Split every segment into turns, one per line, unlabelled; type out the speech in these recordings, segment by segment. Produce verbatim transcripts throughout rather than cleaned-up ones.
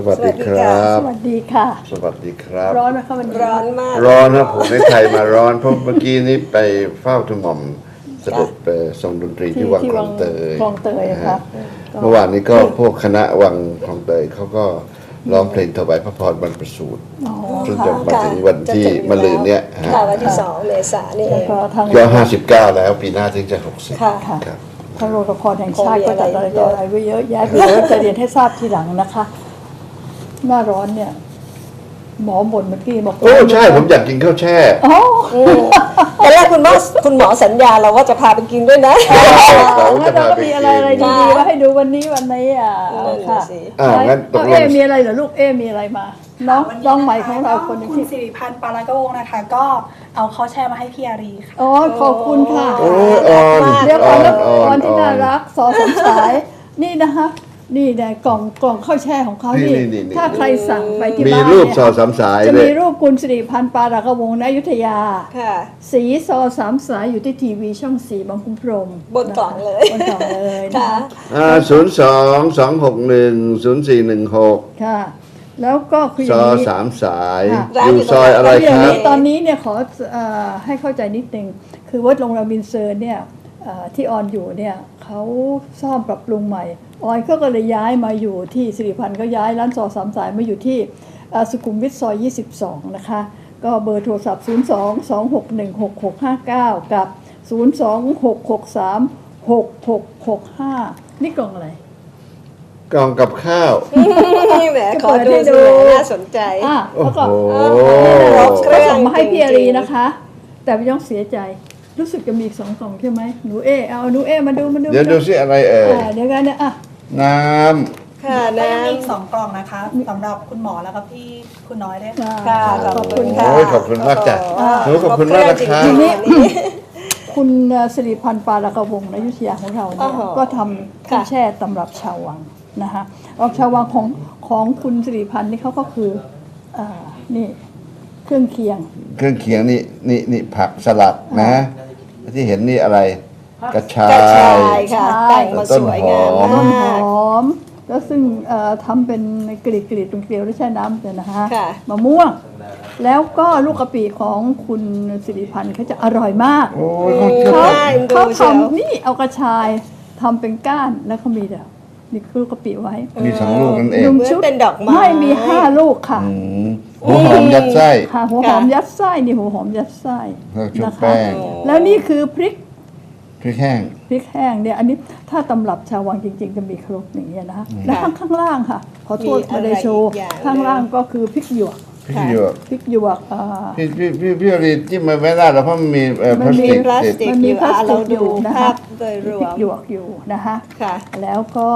วัสดีครับ
สวัสดีค่ะ
สวัสดีครับ
ร้อนไหมคะมัน
ร้อนมาก
ร้อนนะผมในไทยมาร้อนเพราะเมื่อกี้นี้ไปเฝ้าทุหม่อมเสด็จไปทรงดนตรีที่วังคลองเตย
คลองเตยค่ะ
เมื่อวานนี้ก็พวกคณะวังคลองเตยเขาก็ร้องเพลงถวายพระพรบรรพสูตรจนจบมาถึงวันที่มะรืนเนี่ยฮะ
ค่ะวันที่สองเมษายนนี่เอ
แล้ว
ง
ก็ทาง
ก็ห้าสิบเก้าแล้วปีหน้าถึงจะหกสิบ
ค่ะ
ครับ
ทางโรงละครแห่งชาติ
คงมี
ก็จัด
อะ
อะไร
ไร
ต่ออะไรไว้เยอะแยะเดี๋ยวจะเรียนให้ทราบทีหลังนะคะ หน้าร้อนเนี่ย หมอบ่นเมื่อกี้บอก
โอ้ใช่ผมอยากกินข้าวแช่
อ๋อ
ตอนแรกคุณหมอคุณหมอสัญญาเราว่าจะพาไปกินด้วยนะ
เรา
แล้ว
จะ
เรา
พา
ก็
ไป
มี
กิน
อะไรอะไรดีๆมาให้ดูวันนี้วันนี้อ่ะ
นั่นน่ะ
ค่ะ
สิ
อ่างั้นตกลง
เอ๊มีอะไรเหรอลูกเอ๊มีอะไรมา น้อง
วันนี้
น้องใหม่ของเรา
ะะ
คนหนึง
คุณ
ที่
สิริพันธ์ปาลากวงศ์นะคะ ก็เอาข้าวแช่มาให้พี่อารีค่ะ
อ๋อขอบคุณค่ะ
โอ้ยอ่อน
เดี๋ยว
อ่
ก่อ
อน น
แล้ว
อ่อน
ก่อนที่
อ่อ
น่าน รักสอสมสาย นี่นะคะนี่นะกล่องกล่องข้าวแช่ของเขานี่
นี่นี่นี่
ถ้าใครสั่งไปที่
มี
บ้าน
รูป
เนี่ย
สอดสามสาย
จะ
เล
มี
ย
รูปคุณสิริพันธ์ปาลากวงศ์ณอยุธยา
ค่ะ
สีซอสามสายอยู่ที่ทีวีช่องสี่บางคุ้มพรหม
บนกล่องเลย
บนกล่องเลยนะ
ค่ะ
คะ
อ่าศูนย์สองสองหกหนึ่งศูนย์สี่หนึ่งหก
ค่ะ แล้วก็คืออ
ซ
ย่าง
อ
นี้
สามสาย
ค่ะ
อยู่ซอยอะไร
คืออ
ค
ย่าง
รับ
นี้ตอนนี้เนี่ยขอเอ่อให้เข้าใจนิดนึงคือวัดโรงแรมบินเซอร์เนี่ยเอ่อที่ออนอยู่เนี่ยเขาซ่อมปรับปรุงใหม่ออยเขาก็เลยย้ายมาอยู่ที่สิริพันธ์ก็ย้ายร้านซอสามสายมาอยู่ที่เอ่อสุขุมวิทซอยยี่สิบสองนะคะก็เบอร์โทรศัพท์ศูนย์ สอง สอง หก หนึ่ง หก หก ห้า เก้ากับศูนย์ สอง หก หก สาม หก หก หก ห้านี่กล่องอะไร
กล่องกับข้าว
แหม
จะ
ขอ
เปิด
ดู
ให้ดู
สิน่าสนใจ
อ่ะ
โอ้
แล้วก็
โห
ก็ส่งมาให้พี่อารีนะคะ แต่ไม่ต้องเสียใจรู้สึกจะมีอีกสองกล่องใช่ไหมหนูเอเอาหนูเอมาดูมาดู
เดี๋ยวดูสิอะไรเอ่ย
อ่าเดี๋ยวกันเนี่ยอ่ะ
น้
ค่ะ
แล้วก็ยัง
น้
มีอีกสองกล่องนะคะสำหรับคุณหมอแล้วก็พี่คุณน้อยด้วยค่ะ
ค่ะ
ขอบคุณ
ำ
ค่ะ
ค่ะ
โอ้ยขอบคุณมากจ้ะ
อ่า
หนูขอบคุณมากนะครั
ข
บ
อบคุณจริงๆ
ทีนี้
นี่
คุณสิริพันธ์ปาลากวงศ์อยุธยาของเราเนี่ย
โอ้โห
ก็ทำข้าว
ค่ะ
แช่ตำรับชาววังนะคะออกชาววังของของคุณสิริพันธ์นี่เขาก็คืออ่านี่เครื่องเคียง
เครื่องเคียงนี่นี่นี่ผักสลัดนะ ที่เห็นนี่อะไร กระชาก
ระชาย
ย
ค่ะ
ใช่
แต่งมาสวยงาม
ต้นหอม
ต้นห
มาก
อมแล้วซึ่งเอ่อทำเป็นกรีดกรีดเป็นเกลียวแล้วแช่น้ำเนี่ยนะฮะ
ค่ะ
มะม่วง แล้วก็ลูกกะปิของคุณสิริพันธ์เขาจะอร่อยมาก
โอ้ยขอบคุณ
เขา
น่าเอ็นดู
เขา
เชียว
ทำนี่เอากระชายทำเป็นก้านแล้วเขามีเดี๋ยวนี่คือลูกกะปิไว้
มีสองลูกนั่นเอง
หนึ่ง
เหมือน
ชุด
เป็นดอกไม้
ไม่มีห้าลูกค่ะ
อืมหัวหอมยัดไส้
ค่ะหัวหอมยัดไส้นี่หัวหอมยัดไส้
แล้วชุบ
นะคะ
แป้ง
แล้วนี่คือพริก
พริกแห้ง
พริกแห้งเนี่ยอันนี้ถ้าตำรับชาววังจริง ๆ จะมีครบอย่างเงี้ยนะคะแล้วข้างข้างล่างค่ะ ขอโทษ
มีอะไร
มาเลยโชว์
อีกอย่าง
ข้างล่างก็คือพริกหยวก
พริกหยวก
พริกหยวกอ่า
พี่พี่พี่พี่อรีจิ้มมาไม่ได้แล้วเพราะมันมีเอ่อ
มั
พลาน ส
มี
ติก
พลาส
ติด
ติก
มัน
อ
มี
ยู่
พลาส
อ่ะ
ติ
เรา
กอ
ดู
ยู่นะ
ภา
คะ
พโดยร
พ
ว
ริก
ม
หยวกอยู่นะคะ
ค่ะ
แล้วก็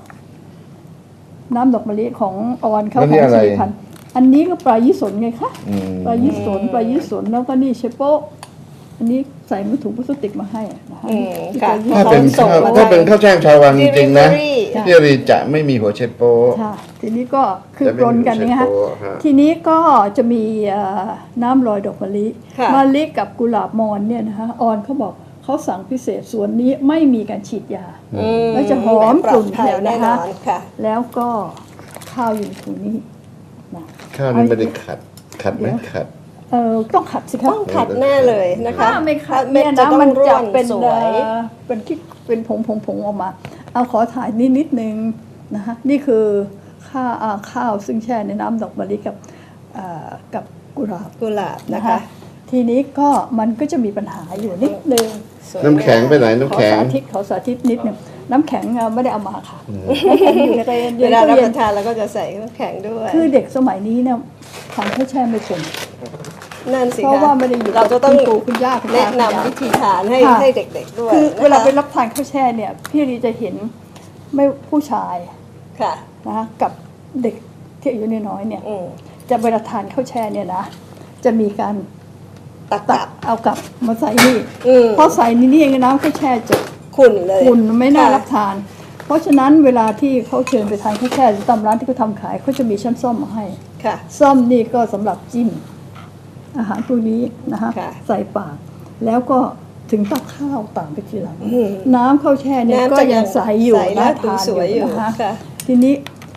น้ำดอกมะลิของออนเขา
แล้ว
ข
นี่
อง
อะไร
สี่พันอันนี้ก็ปลายี่สนไงคะ
อืม
ปลายี่สนปลายี่สนแล้วก็นี่เชโป้อันนี้ใส่มือถุงพลาสติกมาให้นะคะ
อืม
ที่
ค่ะ
ปลายี่
ถ้า
ส
เป็น
น
ข้าว
ส่งมา
ถ้าเป็นข้าวแช่งชาววังจริงๆนะ
Delivery
พี่อรีจะไม่มีหัวเชโป้
ค่ะทีนี้ก็คือ
จะไม่
ปนกัน
มี
นะคะ
เชโป้ฮะ
ทีนี้ก็จะมีเอ่อน้ำลอยดอกมะลิ
ค่ะ
มะลิกับกุหลาบมอนเนี่ยนะคะออนเขาบอกเขาสั่งพิเศษส่วนนี้ไม่มีการฉีดยา
อืม
แล้วจะหอม
ปล
ก
อ
ลุ่
ด
น
ภัย
เดียว
แน่
นะ
น
คะ
อนค่ะ
แล้วก็ข้าวอยู่ในถุงนี้นะ
ข้าวนี่ไม่ได้ขัด ขัดไหมขัด
เออต้องขัดสิคะ
ต้องขัดแน่เลยนะคะ
ถ้าไม่ขัด
เม็
เนี่
ด
ย
จะ
นะ
ต้อง
มัน
ร่
จะ
วน
เป็น
สว
เอ่
ย
อเป็นที่เป็นผงผงผงออกมา เอาขอถ่ายนิดนิดนึงนะคะนี่คือข้าวอ่าข้าวซึ่งแช่ในน้ำดอกมะลิกับเอ่อกับกุหลาบ
กุหลาบนะ
นะคะ คะ ทีนี้ก็มันก็จะมีปัญหาอยู่นิดนึง
สวย
น้ำแข็งไปไหน
ข
น้ำ
อ
แข็ง
สาธิตขอสาธิตนิดนึงน้ำแข็งอ่ะไม่ได้เอามาค่ะน้ำแข็งอยู่ในตู้เย็น
เวลารับ
ตู้
ป
เย็น
ระทานเราก็จะใส่น้ำแข็งด้วย
คือเด็กสมัยนี้เนี่ยทานข้าวแช่ไม่เป็น
นั่นสิ
เพราะ
คะ
ว่าไม่ได้อยู่
เราจะต้อง
คุณปู่คุณย่าคุณตา
แนะ
คุณยาย
นำวิธีทานให้
ค่ะ
ให้เด็กๆด้วย
คือ
นะคะ
เวลาไปรับทานข้าวแช่เนี่ยพี่รีจะเห็นไม่ผู้ชาย
ค่ะ
นะกับเด็กที่อายุน้อยๆเนี่ย
อืม
จะเวลาทานข้าวแช่เนี่ยนะจะมีการ
ตัก
ตั
ตั
ก
ก
เอากลับมาใส่นี่
อืม
พอใส่นี่นี่เองน้ำข้าวแช่จะ
ขุ่นเลย
คุณไม่น่า
ค่ะ
รับทาน เพราะฉะนั้นเวลาที่เขาเชิญไปทานข้าวแช่หรือตามร้านที่เขาทำขายเขาจะมีช้อนส้อมมาให้
ค่ะ
ส้อมนี่ก็สำหรับจิ้มอาหารพวกนี้นะคะ
ค่ะ
ใส่ปาก แล้วก็ถึงตักข้าวตามไปทีหลัง
อืม
น้ำข้าวแช่เนี่ย
น้ำ
ก็
จะยั
ยัง
ง
ใสอยู่
ใส
น่า
น่า
ทาน
สวย
อ
อยู่
ยู่นะคะ
ค่ะ
ทีนี้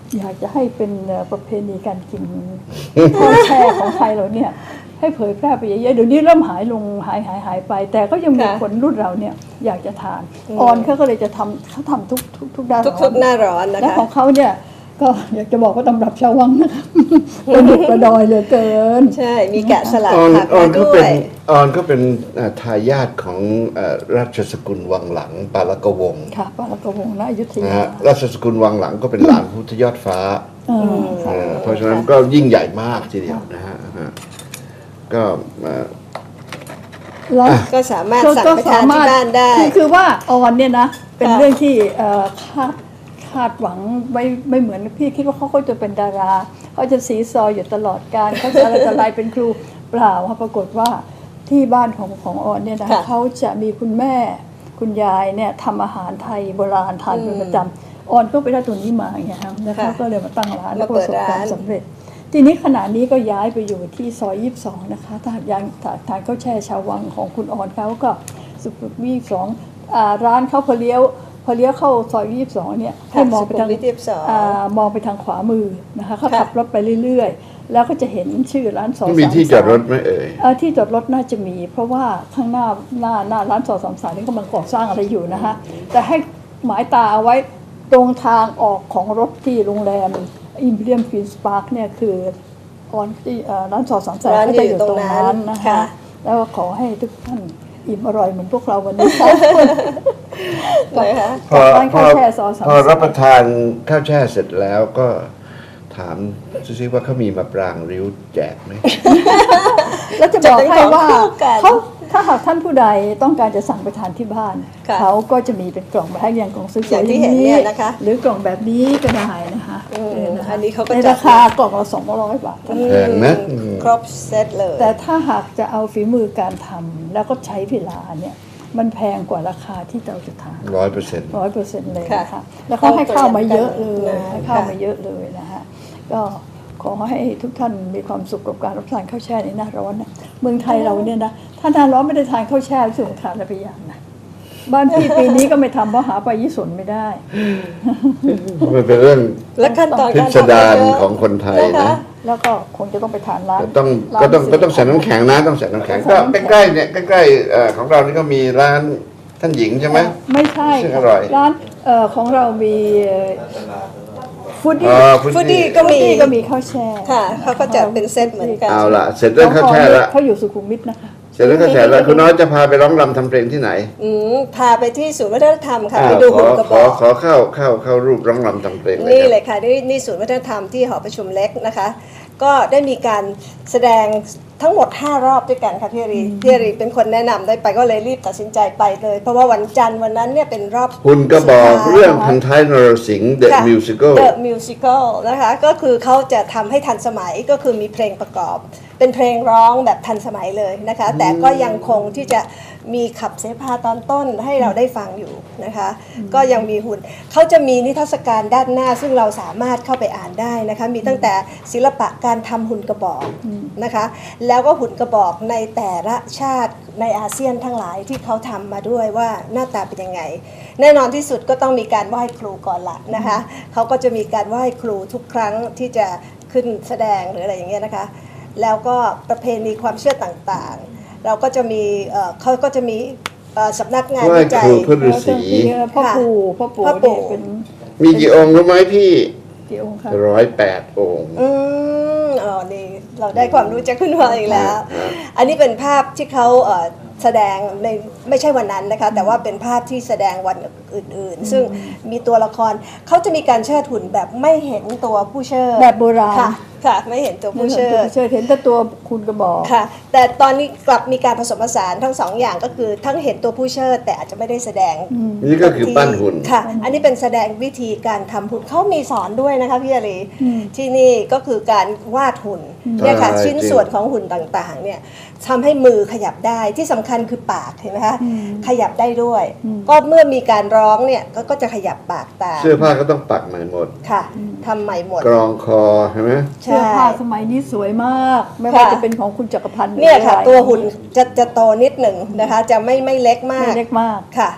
อยากจะให้เป็นเอ่อประเพณีการกินข้าวแช่ของไทยเราเนี่ยให้เผยแพร่ไปเยอะๆเดี๋ยวนี้เริ่มหายลงหายหายหายไป แต่ก็ยังมี
ค่ะ
คนรุ่นเราเนี่ยอยากจะทาน
อืม
ออนเขาก็เลยจะทำเขาทำทุกทุกทุกด้าน
ทุกๆหน้าร้อนนะ
และ
คะ
ของเขาเนี่ยก็อยากจะบอกว่าตำรับชาววังนะคะ ประดุกประดอยเหลือเกิน
ใช่มีแกะสลัก
ออน
ผัก
ออ
มาน
ก็
ด้ว
เป็น
ย
ออนก็เป็นเอ่อทายาทของเอ่อราชสกุลวังหลังปาลกวงศ์
ค่ะปาลกวงศ์ณอยุธ
นะ
ยา
ฮะราชสกุลวังหลังก็เป็นหลานพุทธยอดฟ้า
เออค่ะ
เอ่อเพราะฉะนั้นก็ยิ่งใหญ่มากทีเดียวนะฮะฮะก็เอ่อ
แล้ว
ก็สามารถ
ก็
สั่ง
ก็
ไปทานที่บ้านได้
คือคือว่าออนเนี่ยนะเป็น
ค่ะ
เรื่องที่เอ่อคาดคาดหวังไม่ไม่เหมือนพี่คิดว่าเขาเขาจะเป็นดาราเขาจะสีซออยู่ตลอดการเขาจะอะไรจะอะไรเป็นครูเปล่าค่ะปรากฏว่าที่บ้านของของออนเนี่ยนะ
ค่ะ
เขาจะมีคุณแม่คุณยายเนี่ยทำอาหารไทยโบราณทานเป็นประจำออนก็ไปได้ตัวนี้มาอย่างเงี้ยครับแล้วเขา
ค่ะ
ก็เลยมาตั้งร้านแล้วก็
มา
ป
เปิ
ระ
ด
สบความ
ร้าน
สำเร็จ ทีนี้ขณะนี้ก็ย้ายไปอยู่ที่ซอยยี่สิบสองนะคะถ้าหากยังถ้าทานข้าวแช่ชาววังของคุณออนเขาก็สุขุมวิทยี่สิบสองอ่าร้านเขาพอเลี้ยวพอเลี้ยวเข้าซอยยี่สิบสองเนี่ยให้มองไปทาง
สุขุมวิทยี่สิบสอง
อ่ามองไปทางขวามือนะคะเขา
ค่ะ
ขับรถไปเรื่อยๆ แล้วก็จะเห็นชื่อร้านสอง
มีที่จอดรถไหมเอ่ย
เอ่อที่จอดรถน่าจะมี เพราะว่าข้างหน้าหน้าหน้าร้านสองสามสามนี่กำลังก่อสร้างอะไรอยู่นะคะแต่ให้หมายตาเอาไว้ตรงทางออกของรถที่โรงแรมอิมพีเรียมฟินส์พาร์คเนี่ยคือออนที่เอ่อร้านสองสามสาม
ร้าน
ก็
อยู่
จะอยู่ตรงนั้น
ตรงนั้น
นะคะ
ค่ะ
แล้วก็ขอให้ทุกท่านอิ่มอร่อยเหมือนพวกเราวันนี้
นะคะ
พอ
ร้าน
พอ
ข้าวแช่ซอสาม
พอรับประทานข้าวแช่เสร็จแล้วก็ถามซิว่าเขามีมะปรางริ้วแจกไหม
แล้วจะบอกให้ว่า
จะเป็นของคู่กัน
เขาถ้าหากท่านผู้ใดต้องการจะสั่งไปทานที่บ้าน
ค่ะ
เขาก็จะมีเป็นกล่องแบบให้อย่างกล่องสวยๆ
อย่างที่เห็นเนี่ยนะคะ
หรือกล่องแบบนี้ก็ได้นะคะ
อืม
เนะคะ
อันนี้เขาก็
ใน
จัด
ราคากล่องละสองร้อยบาท
แพงนะอืม
ครบเซตเลย
แต่ถ้าหากจะเอาฝีมือการทำแล้วก็ใช้เวลาเนี่ยมันแพงกว่าราคาที่เราจะทาน
ร้อยเปอร์เซ็นต์
ร้อยเปอร์เซ็นต์เลย
ค่ะ
นะคะแล้วเขาให้ข้าวมาเยอะเลย
นะ
ให้ข้าว
ค่ะ
มาเยอะเลยนะคะก็ขอให้ทุกท่านมีความสุขกับการรับประทานข้าวแช่ในหน้าร้อนนะเมืองไทยเราเนี่ยนะถ้าหน้าร้อนไม่ได้ทานข้าวแช่รู้สึกว่าขาดอะไรไปอย่างนะบ้านพี่ปีนี้ก็ไม่ทำเพราะหาปลายี่สนไม่ได้
มันเป็นเรื่อง
และขั้นตอน
พิ
การ
ส
ทำ
ดาร
เยอะ
ของคนไทย
นะคะ
นะ
แล้วก็คงจะต้องไปทานร้าน
แต่ต้อง
ร้าน
ก็ต้อง
สิ
ก็ต้องใส่น้ำแข็งนะต้องใส่น้ำแข็งก็ใกล้ๆเนี่ยใกล้ๆเอ่อของเรานี่ก็มีร้านท่านหญิงใช่ไหม
ไม่ใช่
ซึ่งอร่อย
ร้านเอ่อของเรามีฟูดดี้
อ๋อฟุ
ฟูด
ต
ดี้
ดี้
ก็มี
ก็มีข้าวแช่
ค่ะเขาก็จัดเป็นเซตเหมือนกัน
เอาละเสร็จเรื่องข้าวแช่ละ
เขาอยู่สุขุมวิทนะคะ
เสร็จเรื่องข้าวแช่ละคุณน้อยจะพาไปร้องรำทำเพลงที่ไหน
อืมพาไปที่ศูนย์วัฒนธรรมค่ะ
อ่า
ไปดู
ขอ
หุ่นกระ
ข
บ
อ
อก
ขอเข้าเข้าเข้ารูปร้องรำทำเพลงเลย
นี่
ครับ
เลยค่ะนี่นี่ศูนย์วัฒนธรรมที่หอประชุมเล็กนะคะ ก็ได้มีการแสดงทั้งหมดห้ารอบด้วยกันค่ะพี่อารีพี่อารีเป็นคนแนะนำได้ไปก็เลยรีบตัดสินใจไปเลย เพราะว่าวันจันทร์วันนั้นเนี่ยเป็นรอบ
คุณก็บอก
สุดท้าย
เรื่องพันท้ายนรสิงห์ The
ค่ะ
Musical
The Musical นะคะก็คือเขาจะทำให้ทันสมัยก็คือมีเพลงประกอบ เป็นเพลงร้องแบบทันสมัยเลยนะคะ แต่ก็ยังคงที่จะมีขับเสพาตอนต้นให้เราได้ฟังอยู่นะคะ ก็ยังมีหุ่นเขาจะมีนิทรรศการด้านหน้า ซึ่งเราสามารถเข้าไปอ่านได้นะคะมีตั้งแต่ศิลปะการทำหุ่นกระบอกนะคะ แล้วก็หุ่นกระบอกในแต่ละชาติในอาเซียนทั้งหลายที่เขาทำมาด้วยว่าหน้าตาเป็นยังไง แน่นอนที่สุดก็ต้องมีการไหว้ครูก่อนละนะคะเขาก็จะมีการไหว้ครูทุกครั้งที่จะขึ้นแสดงหรืออะไรอย่างเงี้ยนะคะแล้วก็ประเพณีความเชื่อต่างๆ เราก็จะมีเอ่อเขาก็จะมีเอ่อสำนักงาน
ไหว้
วิจั
ค
ย
รูเพื่อฤาษี
พ่อปู่พ่อปู่
พ่อปู่
เนี่ยเป็น
มีกี่องค์รู้ไหมพี่
กี่องค์คะ
ร้อยแปดองค์
อืมอ๋อนี่เราได้ความรู้จากคุณพ่ออีกแล้ว
ครับ
อันนี้เป็นภาพที่เขาเอ่อแสดงในไม่ใช่วันนั้นนะคะแต่ว่าเป็นภาพที่แสดงวันอื่นๆ ซึ่งมีตัวละครเขาจะมีการเชิดหุ่นแบบไม่เห็นตัวผู้เชิด
แบบโบราณ
ค่ะค่ะไม่เห็นตัวผู้เชิด
เชิดเห็นแต่ตัวคุณกระบอก
ค่ะแต่ตอนนี้กลับมีการผสมผสานทั้งสองอย่างก็คือทั้งเห็นตัวผู้เชิดแต่อาจจะไม่ได้แสดง
นี่ก็คือปั้นหุ่น
ค่ะ อันนี้เป็นแสดงวิธีการทำหุ่นเขามีสอนด้วยนะคะพี่อารีที่นี่ก็คือการวาดหุ่นเนี่ยค่ะ
ใช่
ชิ้น
จริง
ส่วนของหุ่นต่างๆเนี่ยทำให้มือขยับได้ที่สำคัญคือปากเห็นไหมคะขยับได้ด้วย ก็เมื่อมีการร้องเนี่ยก็ก็จะขยับปากตาม
เสื้อผ้าก็ต้องปักใหม่หมด
ค่ะทำใหม่หมด
กรองคอใช่ไหม
เสื้อผ้าสมัยนี้สวยมาก ไม่ว่าจะเป็นของคุณจักรพันธ์หรือ
เนี่ยค่ะ
อะไร
ตัวหุ่นจะจะโตนิดหนึ่งนะคะ จะไม่ไม่เล็กมา
ไม่
ก
เล็กมาก
ค่ะ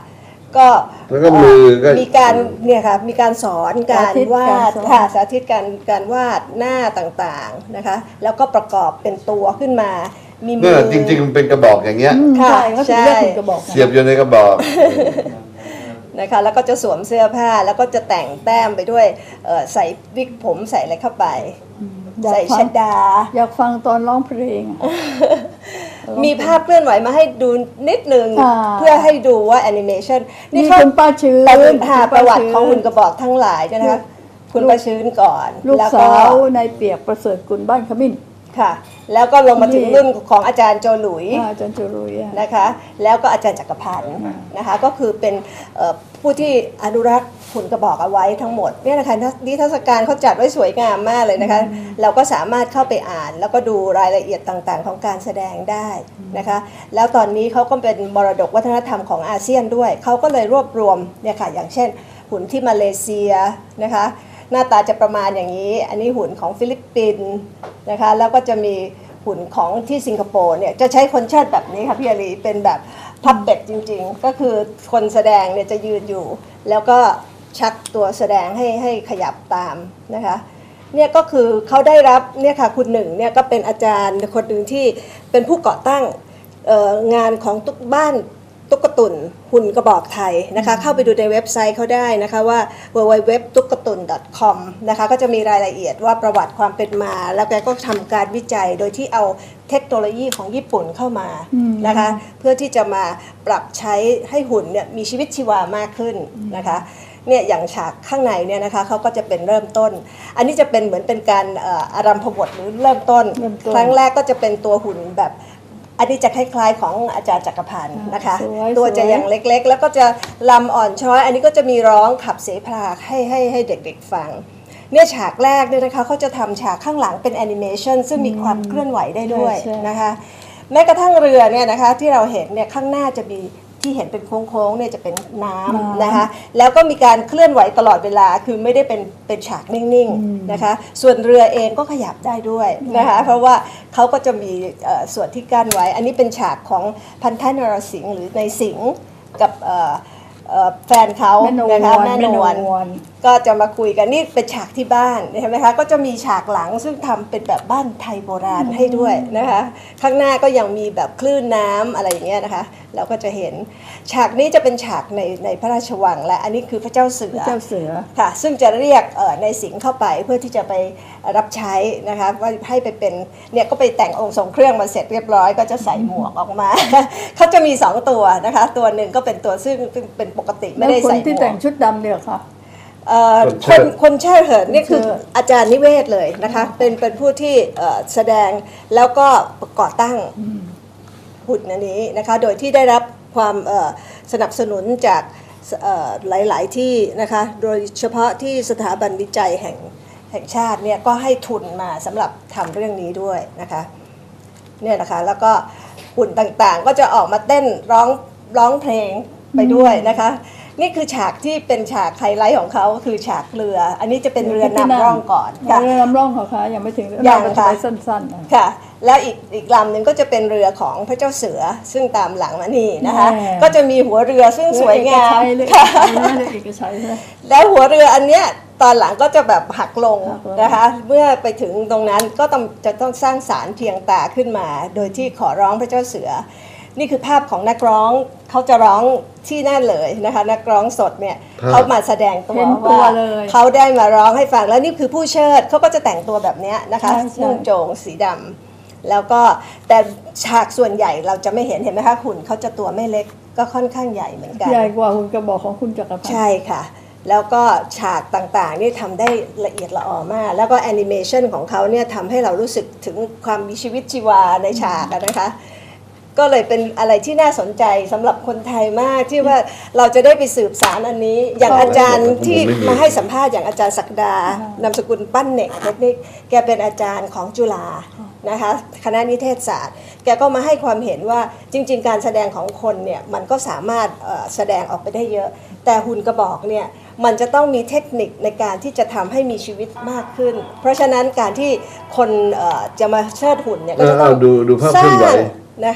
ก็
แล้วก็มือก็
มีการเนี่ยค่ะมีการสอนการวาด
สาธิตการสอน
ค่ะสาธิตการการวาดหน้าต่างๆนะคะ แล้วก็ประกอบเป็นตัวขึ้นมามีมื
เนี่ย
อ
จริงๆมันเป็นกระบอกอย่างเงี้ย
อืม
ค่ะ
ใช่เขาถึงเรียกหุ่นกระบอก
เสียบอยู่ในกระบอก
นะคะแล้วก็จะสวมเสื้อผ้าแล้วก็จะแต่งแต้มไปด้วยเอ่อใส่วิกผมใส่อะไรเข้าไป
อยาก
ใส่
ฟั
ช
ง
ดา
อยากฟังตอนร้องเพลง
มีภาพเคลื่อนไหวมาให้ดูนิดนึง
อ่า
เพื่อให้ดูว่าแอนิเมชัน
นี่
เขา
คุณป้าชื้น
ประวัติหา
คุณ
ป
ป้า
ระวัติ
ชื้น
ของหุ่นกระบอกทั้งหลายเนี่ยนะคะคุณประชื้นก่อน
ลูก
แล้ว
สาวในายเปียกประเสริฐกุลบ้านขมิ้น
ค่ะ แล้วก็ลงมาถึง
นี่
รุ่นของอาจารย์โจหลุย
อ่าอาจารย์จุรุยอะ
นะคะแล้วก็อาจารย์จักรพันธ์นะคะก็คือเป็นเอ่อผู้ที่อนุรักษ์หุ่นกระบอกเอาไว้ทั้งหมดเนี่ยนะคะนิทรรศการเขาจัดไว้สวยงามมากเลยนะคะเราก็สามารถเข้าไปอ่านแล้วก็ดูรายละเอียดต่างๆ ของการแสดงได้นะคะแล้วตอนนี้เขาก็เป็นมรดกวัฒนธรรมของอาเซียนด้วยเขาก็เลยรวบรวมเนี่ยค่ะอย่างเช่นหุ่นที่มาเลเซียนะคะหน้าตาจะประมาณอย่างนี้อันนี้หุ่นของฟิลิปปินส์นะคะแล้วก็จะมีหุ่นของที่สิงคโปร์เนี่ยจะใช้คนเชิดแบบนี้ค่ะพี่อารีเป็นแบบพับเป็ดจริงๆ ก็คือคนแสดงเนี่ยจะยืนอยู่ แล้วก็ชักตัวแสดงให้ให้ขยับตามนะคะเนี่ยก็คือเขาได้รับเนี่ยค่ะคุณหนึ่งเนี่ยก็เป็นอาจารย์คนหนึ่งที่เป็นผู้ก่อตั้งเอ่องานของตุ๊กบ้านตุ๊กตุนหุ่นกระบอกไทยนะคะเข้าไปดูในเว็บไซต์เขาได้นะคะว่า ดับเบิลยู ดับเบิลยู ดับเบิลยู ดอท ตุ๊กตุน ดอท คอม นะคะก็จะมีรายละเอียดว่าประวัติความเป็นมา แล้วแกก็ทำการวิจัยโดยที่เอาเทคโนโลยีของญี่ปุ่นเข้ามานะคะเพื่อที่จะมาปรับใช้ให้หุ่นเนี่ยมีชีวิตชีวามากขึ้นนะคะเนี่ยอย่างฉากข้างในเนี่ยนะคะเขาก็จะเป็นเริ่มต้น อันนี้จะเป็นเหมือนเป็นการเอ่ออารัมพบทหรือเริ่มต้น
เริ่มต้น
ครั้งแรกก็จะเป็นตัวหุ่นแบบอันนี้จะคล้ายๆของอาจารย์จักรพันธ์นะคะ
สวย
ตัวจะ
สวย
ยังเล็กๆ แล้วก็จะลำอ่อนช้อย อันนี้ก็จะมีร้องขับเสพาให้ให้ให้เด็กๆฟังเนี่ยฉากแรกเนี่ยนะคะเขาจะทำฉากข้างหลังเป็นแอนิเมชันซึ่งมีความเคลื่อนไหวได้ด้วย
ใช่ใช่
นะคะแม้กระทั่งเรือเนี่ยนะคะที่เราเห็นเนี่ยข้างหน้าจะมีที่เห็นเป็นโค้งๆเนี่ยจะเป็นน้ำนะคะแล้วก็มีการเคลื่อนไหวตลอดเวลาคือไม่ได้เป็นเป็นฉากนิ่งๆนะคะส่วนเรือเองก็ขยับได้ด้วยนะคะเพราะว่าเขาก็จะมีเอ่อส่วนที่กั้นไว้ อันนี้เป็นฉากของพันธนรสิงห์หรือในสิงห์กับเอ่อเอ่อแฟนเขา
แม่นวล
นะคะแม่นวล
แม่นวล
ก็จะมาคุยกันนี่เป็นฉากที่บ้านเห็นไหมคะก็จะมีฉากหลังซึ่งทำเป็นแบบบ้านไทยโบราณให้ด้วยนะคะข้างหน้าก็ยังมีแบบคลื่นน้ำอะไรอย่างเงี้ยนะคะเราก็จะเห็นฉากนี้จะเป็นฉากในในพระราชวังและอันนี้คือพระเจ้าเสือ
เจ้าเสือ
ค่ะซึ่งจะเรียกเอ่อในสิงห์เข้าไปเพื่อที่จะไปรับใช้นะคะว่าให้ไปเป็นเนี่ยก็ไปแต่งองค์ทรงเครื่องมาเสร็จเรียบร้อยก็จะใส่หมวกออกมา เขาจะมีสองตัวนะคะตัวหนึ่งก็เป็นตัวซึ่งซึ่งเป็นปกติไม่
แล้ว
ได้
คน
ใส่หม
ที่
ว
แต่
ก
งชุดดำเนี่ยค่ะ
เอ่อ
คน
ค
เชิ
น
ด
คนเชิดเหินนี่คือ
คนเชิด
อาจารย์นิเวศเลยนะคะเป็นเป็นผู้ที่เอ่อแสดงแล้วก็ก่อตั้งหุ่นอันนี้นะคะโดยที่ได้รับความเอ่อสนับสนุนจากเอ่อหลาย ๆ ที่นะคะโดยเฉพาะที่สถาบันวิจัยแห่งแห่งชาติเนี่ยก็ให้ทุนมาสำหรับทำเรื่องนี้ด้วยนะคะเนี่ยนะคะแล้วก็หุ่นต่างๆ ก็จะออกมาเต้นร้องร้องเพลงไปด้วยนะคะ นี่คือฉากที่เป็นฉากไฮไลท์ของเขาคือฉากเรือ อันนี้จะเป็นเรือนำร่องก่อนค่ะ
เรือนำร่องของเขายังไม่ถึง
ยัง
เราจะ
ค่ะ
ไปสั้นๆนะ
ค่ะ แล้วอีกอีกลำหนึ่งก็จะเป็นเรือของพระเจ้าเสือซึ่งตามหลังมานี่นะคะ
แน่
ก็จะมีหัวเรือซึ่งสวยงาม
เรือ
ค่ะ
เอกชัยใช่ไหม
แล้วหัวเรืออันเนี้ยตอนหลังก็จะแบบหักลง
หักลง
นะคะ เมื่อไปถึงตรงนั้นก็ต้องจะต้องสร้างสารเพียงตาขึ้นมา โดยที่ขอร้องพระเจ้าเสือ นี่คือภาพของนักร้องเขาจะร้องที่นั่นเลยนะคะนักร้องสดเนี่ย
ครับ
เขามาแสดงตัว
เห็นตัว
ว่า
เลย
เขาได้มาร้องให้ฟังแล้วนี่คือผู้เชิดเขาก็จะแต่งตัวแบบเนี้ยนะคะ
ใช่ใช่
นุ่งโจงสีดำแล้วก็แต่ฉากส่วนใหญ่เราจะไม่เห็นเห็นไหมคะหุ่นเขาจะตัวไม่เล็กก็ค่อนข้างใหญ่เหมือนกัน
ใหญ่กว่าหุ่นกระบอกของคุณจักรพันธ์
ใช่ค่ะ แล้วก็ฉากต่างๆนี่ทำได้ละเอียดละออมาก แล้วก็แอนิเมชันของเขาเนี่ยทำให้เรารู้สึกถึงความมีชีวิตชีวาในฉากอะนะคะ ก็เลยเป็นอะไรที่น่าสนใจสำหรับคนไทยมากที่ว่าเราจะได้ไปสืบสารอันนี้ อย่างอาจารย์ที่มาให้สัมภาษณ์อย่างอาจารย์ศักดานามสกุลปั้นเหน่งเทคนิคแกเป็นอาจารย์ของจุฬานะคะคณะนิเทศศาสตร์ แกก็มาให้ความเห็นว่าจริง ๆ การแสดงของคนเนี่ยมันก็สามารถเอ่อแสดงออกไปได้เยอะ แต่หุ่นกระบอกเนี่ยมันจะต้องมีเทคนิคในการที่จะทำให้มีชีวิตมากขึ้น เพราะฉะนั้นการที่คนเอ่อจะมาเชิดหุ่นเนี่ยก็จะต้อง
เออดูดูภาพ
ส
เคลื่
ร้า
อนไหว
งนะคะ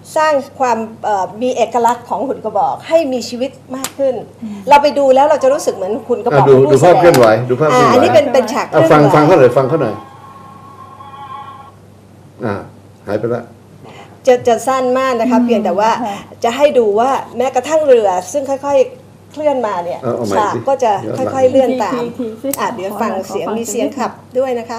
สร้างความเอ่อมีเอกลักษณ์ของหุ่นกระบอกให้มีชีวิตมากขึ้น เราไปดูแล้วเราจะรู้สึกเหมือนหุ่นกระบอก
อ่ะดู
ผู้
ดูภาพ
แสดง
เคลื่อนไหวดูภาพเคลื่อนไหว
อันนี้เป็นเป็นฉากเค
อ่ะ
ลื่อน
ฟัง
ไหว
ฟังเขาหน่อยฟังเขาหน่อยอ่าหายไปละ
จะจะสั้นมากนะคะเพียงแต่ว่า
ค่ะ
จะให้ดูว่าแม้กระทั่งเรือซึ่งค่อยๆเคลื่อนมาเนี่ย
เอาเอาใหม่
ฉาก
สิ
ก็จะ
ย้อนหลัง
ค่อยๆเลื่อนตาม
ทีทีที
อ่ะเดี๋ยว
ขอ
ฟัง
หน่อย
เสียง
ขอฟัง
มีเสียง
สักนิด
ขับด้วยนะคะ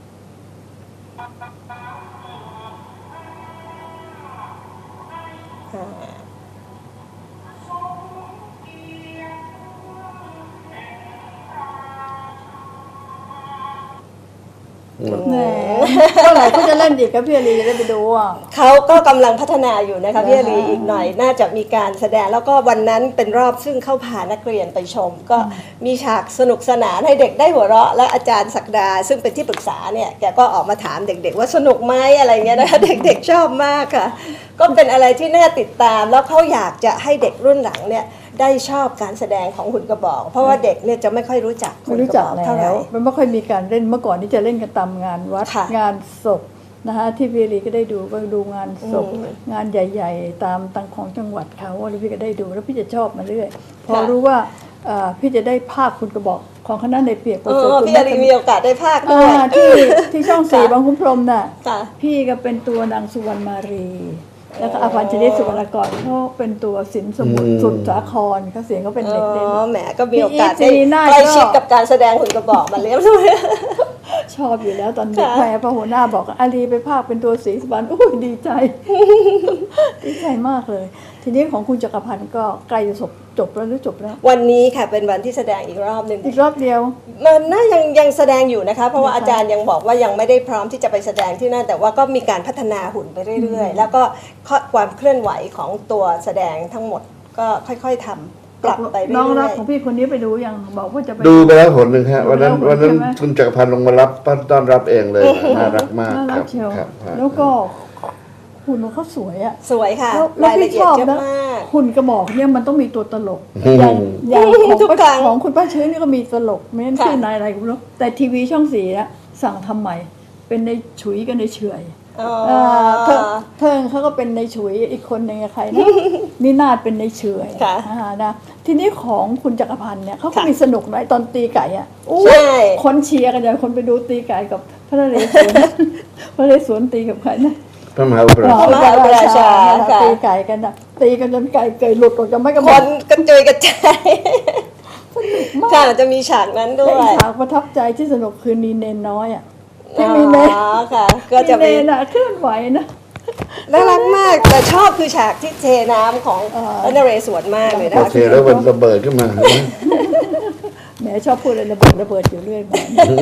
แหมเมื่อไหร่เขาจะเล่นอีกครับพี่อารีจะได้ไปดูอ่ะ
เขาก็กำลังพัฒนาอยู่นะคะพี่อารีอีกหน่อยน่าจะมีการแสดงแล้วก็วันนั้นเป็นรอบซึ่งเข้าพานักเรียนไปชม ก็มีฉากสนุกสนานให้เด็กได้หัวเราะและอาจารย์ศักดา ซึ่งเป็นที่ปรึกษาเนี่ยแกก็ออกมาถามเด็กๆว่าสนุกไหมอะไรเงี้ยนะคะ เด็กๆชอบมากค่ะ ก็เป็นอะไรที่น่าติดตามแล้วเขาอยากจะให้เด็กรุ่นหลังเนี่ยได้ชอบการแสดงของหุ่นกระบอก เพราะว่าเด็กเนี่ยจะไม่ค่อยรู้จัก
ไม่รู้จัก
หุ่นระบอกเท่าไห
แล้
ร่
วมันไม่ค่อยมีการเล่นเมื่อก่อนนี่จะเล่นกันตามงานวัด
ค่ะ
งานศพนะคะที่พี่อารีก็ได้ดูก็ดูงานศพ
อืม
งานใหญ่ ๆ ตามตังของจังหวัดเขาแล้วพี่ก็ได้ดูแล้วพี่จะชอบมาเรื่อยพอ
ค่ะ
รู้ว่าเอ่อพี่จะได้ภาคคุณกระบอกของคณะในเปียกประ
เอ
เสริฐ
อ
คุณ
พี่อารีมีโอกาสได้ภาคด้
อ่า
วย
ที่ที่ช่องสี่
ค่ะ
บางคุ้มพรหมน่ะ
ค่ะ
พี่ก็เป็นตัวนางสุวรรณมารี แล้วก็อภัญชนิสุวรรณกรเขาเป็นตัวสินสมุทร
อืม
สุดสาครเขาเสียงเขาเป็น
อ๋
เด็กเด่น
อแหมก็มีโอกาส
พี่
ได้
อีทซีน่า
ใกล้
ก็
ชิดกับการแสดงหุ่นกระบอกมาเรียบร้อย
ชอบอยู่แล้วตอนเด็ก
ค่ะ
แม่พอหัวหน้าบอกอาลีไปภาคเป็นตัวสีสุวรรณอุ้ยดีใจ ดีใจมากเลย ทีนี้ของคุณจักรพันธ์ก็ใกล้จะจบจบแล้วหรือจบแล้ว
วันนี้ค่ะเป็นวันที่แสดงอีกรอบหนึ่ง
อีกรอบเดียว
มันน่ายังยังแสดงอยู่นะคะ เพราะว่า
นะคะ
อาจารย์ยังบอกว่ายังไม่ได้พร้อมที่จะไปแสดงที่นั่นแต่ว่าก็มีการพัฒนาหุ่นไปเรื่อย ๆ แล้วก็ความเคลื่อนไหวของตัวแสดงทั้งหมดก็ค่อยๆทำปรับไปเรื่
น้องรัก
อย
ของพี่คนนี้ไปดูยังบอกว่าจะไป
ดูไปแล้วผลหนึ่งฮะวันนั้น
ดูแล้ว
วันนั้น
ใช่ไหม
คุณจักรพันธ์ลงมารับต้อนรับเองเลยน่ารักมาก
น่า
ค
รั
รั
ก
บ
เชียว
ครับฮะ
แล้วก็หุ่นของเขาสวยอะ
ๆ สวยค่ะ
แล้วแล้ว
รายละ
พี่
เอี
ช
ยด
อบ
เยอะ
นะ
มาก
หุ่นกระบอกเนี่ยมันต้องมีตัวตลก
อืม
อย่างอย่างของ
ทุกครั้
ป้าง ของคุณป้าเชื้อนี่ก็มีตลกไม่งั้น
ค่ะ
ชื่อนายอะไรก็ไม่รู้แต่ทีวีช่องสีอะสั่งทำใหม่ เป็นในฉุยกับในเฉอย
อ๋อ
เอ่อเทิงเทิงเขาก็เป็นในฉุยอีกคนหนึ่งอะใครนะ นินาศเป็นในเฉอย
ค่ะ
อ่านะทีนี้ของคุณจักรพันธ์เนี่ยเขาก็
ค่ะ
มีสนุกหน่อยตอนตีไก่อะอู้
ใช่
คนเชียร์กันอย่างคนไปดูตีไก่กับพระนเรศวร พระนเรศวรตีกับใครนะ
พระมหาอุปราช
พระมหาอุปราชาค่ะ
ตีไก่กันนะตีกันจนไก่เกยหลุดออกจากไม่กระ
ค
บอก
นกระจุยกระจายค่ะจะมีฉากนั้นด้
และ
ว
อี
ย
กฉากประทับใจที่สนุกคือนีเนนน้อยอ่ะที่มีเนน
อ๋อค่ะ ก็จะ
มี
มี
เนนอ่ะเคลื่อนไหวนะ
น่ารักมากแต่ชอบคือฉากที่เทน้ำของ
เออ
พระนเรศวรมากเลยนะ
โอ
คะ
เคแล้วมันระเบิดขึ้นมา
แหมชอบพูดอะไรระเบิดระเบิดอยู่เรื่อยมา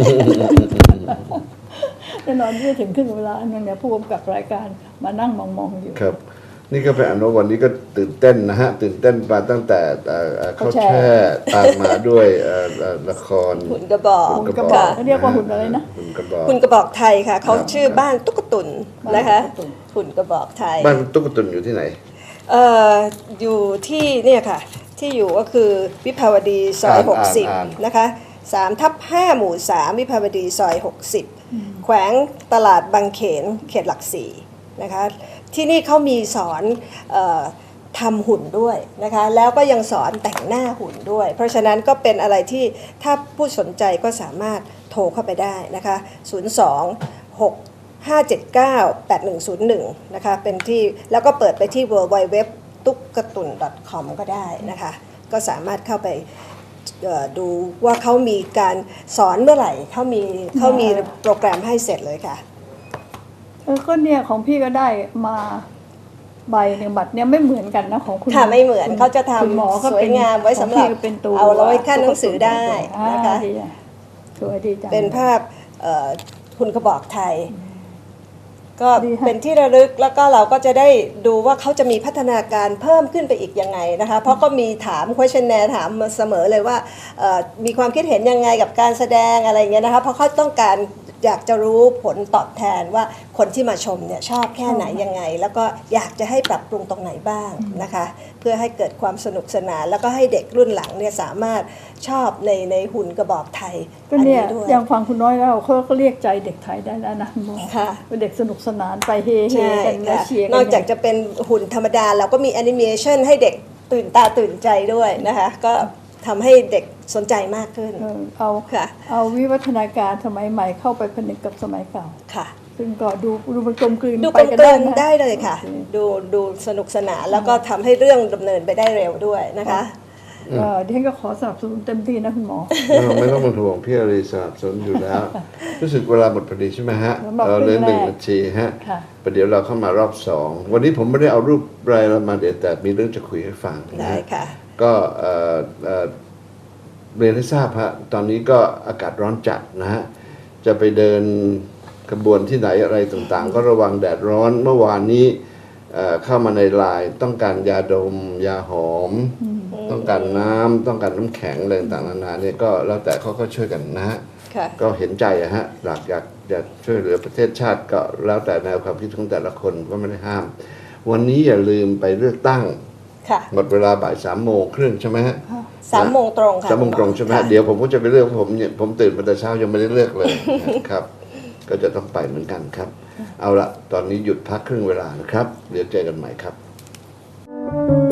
แน่นอนที่จะถึงครึ่งเวลานั่นเนี่ยผู้กำกับรายการมานั่งมองๆอยู่
ครับ นี่ก็เป็นอนุวันนี้ก็ตื่นเต้นนะฮะ ตื่นเต้นมาตั้งแต่เอ่อเอ่อเขา
เขาแช่
แช่ตามมาด้วยเอ่อเอ่อละคร
หุ่นกระบอก
หุ่นกระบอกเขาเรียกว่าหุ่นอะไรนะ
หุ่นกระบอก
หุ่นกระบอกไทยค่ะเขาชื่อบ้านตุ๊กตุนนะคะ
บ้านตุ๊กตุ่น
หุ่นกระบอกไทย
บ้านตุ๊กตุนอยู่ที่ไหน
เอ่ออยู่ที่เนี่ยค่ะ ที่อยู่ก็คือวิภาวดีซอย
อ่าน
หกสิบ
อ่าน
นะคะสามทับห้าหมู่สามวิภาวดีซอยหกสิบแขวงตลาดบางเขนเขตหลักสี่นะคะที่นี่เขามีสอนเออทำหุ่นด้วยนะคะแล้วก็ยังสอนแต่งหน้าหุ่นด้วย เพราะฉะนั้นก็เป็นอะไรที่ถ้าผู้สนใจก็สามารถโทรเข้าไปได้นะคะศูนย์ สอง หก ห้า เจ็ด เก้า แปด หนึ่ง ศูนย์ หนึ่งนะคะเป็นที่แล้วก็เปิดไปที่ ดับเบิลยู ดับเบิลยู ดับเบิลยู ดอท ตุ๊กกะตุน ดอท คอม ก็ได้นะคะก็สามารถเข้าไปเอ่อดูว่าเขามีการสอนเมื่อไหร่เขามีเขามีโปรแกรมให้เสร็จเลยค่ะ
เออก็เนี่ยของพี่ก็ได้มาใบหนึ่งบัตรเนี่ยไม่เหมือนกันนะของคุณ
ค่ะไม่เหมือน
คุณ
เขาจะทำ
คุณหมอก็เป็น
สวยงามไว้สำหรับ
ของพี่ก็เป็นตัว
เอาไว้ขั้นหนังสือได้นะคะ
อ่าดีอ่สวยดีจัง
เป็นภาพเอ่อหุ่นกระบอกไทย ก็
ดีค่ะ
เป็นที่ระลึกแล้วก็เราก็จะได้ดูว่าเขาจะมีพัฒนาการเพิ่มขึ้นไปอีกยังไงนะคะเพราะก็มีถาม questionnaire ถามมาเสมอเลยว่าเอ่อมีความคิดเห็นยังไงกับการแสดงอะไรเงี้ยนะคะเพราะเขาต้องการอยากจะรู้ผลตอบแทนว่าคนที่มาชมเนี่ยชอบแค่ไหนยังไง แล้วก็อยากจะให้ปรับปรุงตรงไหนบ้างนะคะ เพื่อให้เกิดความสนุกสนานแล้วก็ให้เด็กรุ่นหลังเนี่ยสามารถชอบในในหุ่นกระบอกไทย
ก็
อัน
เนี่ย
นี้ด้วย
อย่างฟังคุณน้อยแล้วเขาก็เรียกใจเด็กไทยได้แล้วนะคุณหมอ
ค่ะ
เป็นเด็กสนุกสนานไปเฮเฮ
ใช่
กันและ
ค่ะ
เชียร์กัน
นอกจากจะเป็นหุ่นธรรมดาเราก็มีแอนิเมชันให้เด็กตื่นตาตื่นใจด้วยนะคะก็ทำให้เด็กสนใจมากขึ้น
เออเอา
ค่ะ
เอาวิวัฒนาการสมัยใหม่เข้าไปผนึกกับสมัยเก่า
ค่ะ
ซึ่งก็ดูดูมันกลมกลืน
ดู
ไป
กลม
กัน
กลื
ได้
น
นะ
ได้เลยค่ะ
โอเ
ดูดูสนุกสนานแล้วก็ทำให้เรื่องดำเนินไปได้เร็วด้วยนะคะ
เอ่อดิฉันก็ขอสนับสนุนเต็มที่นะคุณหมอ
เออไม่ต้องเป็นห่วงพี่อารีสนับสนุนอยู่แล้ว รู้สึกเวลาหมดพอดีใช่ไหมฮะ
สำหรับ
เราเหลือ
ครึ่
ห
งแรก
นึ่งนาทีฮะ
ค่ะ
ประเดี๋ยวเราเข้ามารอบสองวันนี้ผมไม่ได้เอารูปรายละมาเดี๋ยวแต่มีเรื่องจะคุยให้ฟังนะ
ได้
ฮะ
ค่ะ
ก็เอ่อเอ่อเรียนให้ทราบฮะตอนนี้ก็อากาศร้อนจัดนะฮะจะไปเดินขบวนที่ไหนอะไรต่างๆ ก็ระวังแดดร้อนเมื่อวานนี้เอ่อเข้ามาในไลน์ต้องการยาดม ยาหอม ต้องการน้ำต้องการน้ำแข็งอะไรต่างๆนานาเนี่ยก็แล้วแต่เขาก็ช่วยกันนะฮะ
ค่ะ
ก็เห็นใจอะฮะอยากอยากอยากช่วยเหลือประเทศชาติก็แล้วแต่แนวความคิดของแต่ละคนก็ไม่ได้ห้าม วันนี้อย่าลืมไปเลือกตั้ง
ค่ะ
หมดเวลาบ่ายสามโมงครึ่งใช่ไหมฮะ
สามโมงตรงค่ะ
สามโมงตรงใช่ไหมฮะ
ค่ะ
เดี๋ยวผมก็จะไปเลือกผมเนี่ยผมตื่นมาแต่เช้ายังไม่ได้เลือกเลยครับ ก็จะต้องไปเหมือนกันครับ เอาละตอนนี้หยุดพักครึ่งเวลานะครับ เดี๋ยวเจอกันใหม่ครับ